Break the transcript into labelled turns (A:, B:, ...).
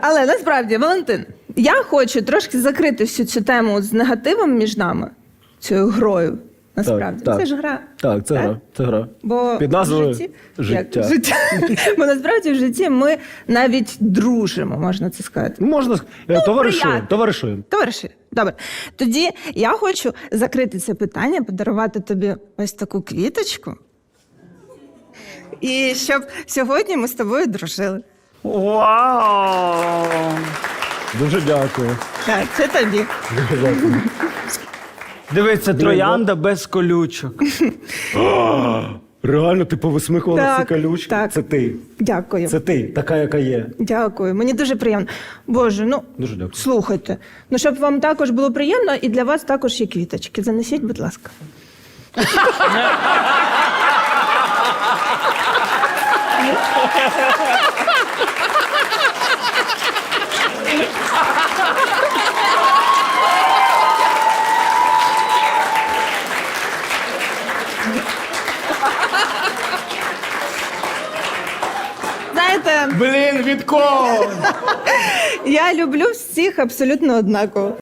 A: Але насправді, Валентин, я хочу трошки закрити всю цю тему з негативом між нами, цією грою. Насправді,
B: Так,
A: це ж гра.
B: Так, це гра. Це гра.
A: Бо
B: під назвою
A: в житті,
B: життя.
A: життя. Бо насправді в житті ми навіть дружимо, можна це сказати.
B: Можна товаришуємо.
A: Товариші, добре. Тоді я хочу закрити це питання, подарувати тобі ось таку квіточку. І щоб сьогодні ми з тобою дружили.
C: Вау!
B: Дуже дякую.
A: Так, це тобі.
B: Дуже дякую.
C: Дивіться, троянда без колючок.
B: Реально, ти повисмикувала
A: Так,
B: всі колючки?
A: так.
B: Це ти.
A: Дякую.
B: Це ти, така, яка є.
A: Дякую. Мені дуже приємно. Боже, ну,
B: Дуже дякую.
A: слухайте. Ну, щоб вам також було приємно, і для вас також є квіточки. Занесіть, будь ласка. Знаєте,
C: Блін, від кого?
A: я люблю всіх абсолютно однаково.